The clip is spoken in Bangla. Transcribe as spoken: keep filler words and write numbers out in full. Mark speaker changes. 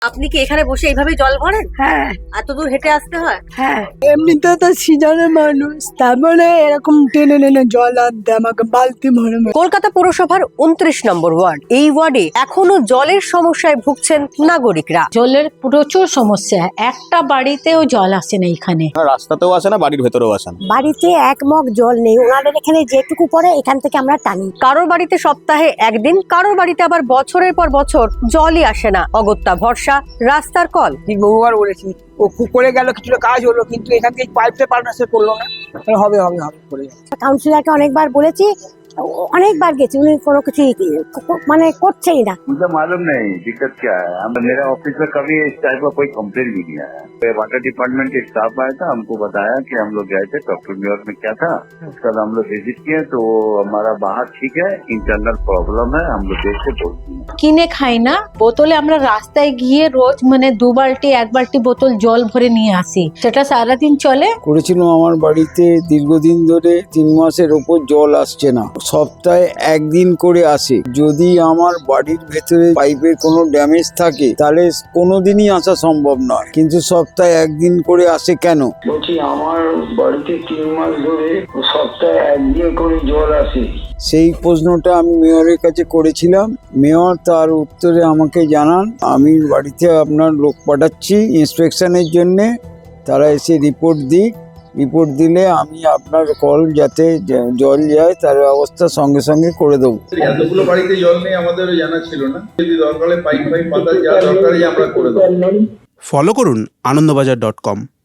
Speaker 1: আপনি কি এখানে বসে এইভাবে জল ভরেন?
Speaker 2: হ্যাঁ
Speaker 1: এত দূর হেঁটে আসতে হয়?
Speaker 2: হ্যাঁ, এমনিতে তো সিজনের মানুষ, তারপরে এরকম টেনে টেনে জল আনতে আমাকে বালতি ভরে ভরে।
Speaker 1: কলকাতা পুরসভার উনত্রিশ নম্বর ওয়ার্ড, এই ওয়ার্ডে এখনো জলের সমস্যায় ভুগছেন নাগরিকরা।
Speaker 3: জলের প্রচুর সমস্যা, একটা বাড়িতেও জল আসে না এখানে।
Speaker 4: রাস্তাতেও আসে না, বাড়ির ভেতরেও আসে না।
Speaker 2: বাড়িতে এক মগ জল নেই, ওনাদের এখানে যেটুকু পড়ে এখান থেকে আমরা টানি।
Speaker 1: কারোর বাড়িতে সপ্তাহে একদিন, কারোর বাড়িতে আবার বছরের পর বছর জলই আসে না। অগত্যা ভরসা রাস্তার কল।
Speaker 5: ঠিক বহুবার বলেছি, ও খুব করে গেল, কিছুটা কাজ হলো, কিন্তু এখান থেকে পাইপটা পাল্টা সে করলো না। হবে হবে হবে করে
Speaker 2: কাউন্সিলরকে অনেকবার বলেছি, অনেকবার গেছি, উনি কোনো কিছু মানে করছেই না।
Speaker 6: मुझे मालूम नहीं दिक्कत क्या है। हम मेरा ऑफिस में कभी इस टाइप का कोई कंप्लेन भी नहीं आया। वाटर डिपार्टमेंट के स्टाफ आया था, हमको बताया कि हम लोग गए थे डॉक्टर न्यूयॉर्क में क्या था, उसका हम लोग विजिट किए तो हमारा बाहर ठीक है, इंटरनल प्रॉब्लम है, हम लोग देख के बोलते हैं।
Speaker 3: কিনে খাই না, বোতলে আমরা রাস্তায় গিয়ে রোজ মানে দু বালতি এক বালতি বোতল জল ভরে নিয়ে আসি, সেটা সারাদিন চলে।
Speaker 7: করেছিলাম আমার বাড়িতে দীর্ঘদিন ধরে তিন মাসের ওপর জল আসছে না, সপ্তাহে একদিন করে আসে। যদি আমার বাড়ির ভেতরে পাইপের কোনো ড্যামেজ থাকে তাহলে কোনোদিনই আসা সম্ভব নয়, কিন্তু সপ্তাহে একদিন করে আসে কেন?
Speaker 8: বলছি আমার বাড়িতে তিন মাস ধরে সপ্তাহে একদিন করে জল আসে।
Speaker 7: সেই প্রশ্নটা আমি মেয়রের কাছে করেছিলাম। মেয়র তার উত্তরে আমাকে জানান, আমি বাড়িতে আপনার লোক পাঠাচ্ছি ইন্সপেকশনের জন্যে, তারা এসে রিপোর্ট দিক, রিপোর্ট দিলে আমি আপনার কল যাতে জল যায় তার ব্যবস্থা সঙ্গে সঙ্গে করে দেবো।
Speaker 9: এতগুলো বাড়িতে জল নেই আমাদেরও জানা ছিল না, যদি দরকার হয় পাইপ পাইপ পাতা যা দরকারই আমরা করে দেবো।
Speaker 10: ফলো করুন আনন্দবাজার ডট কম।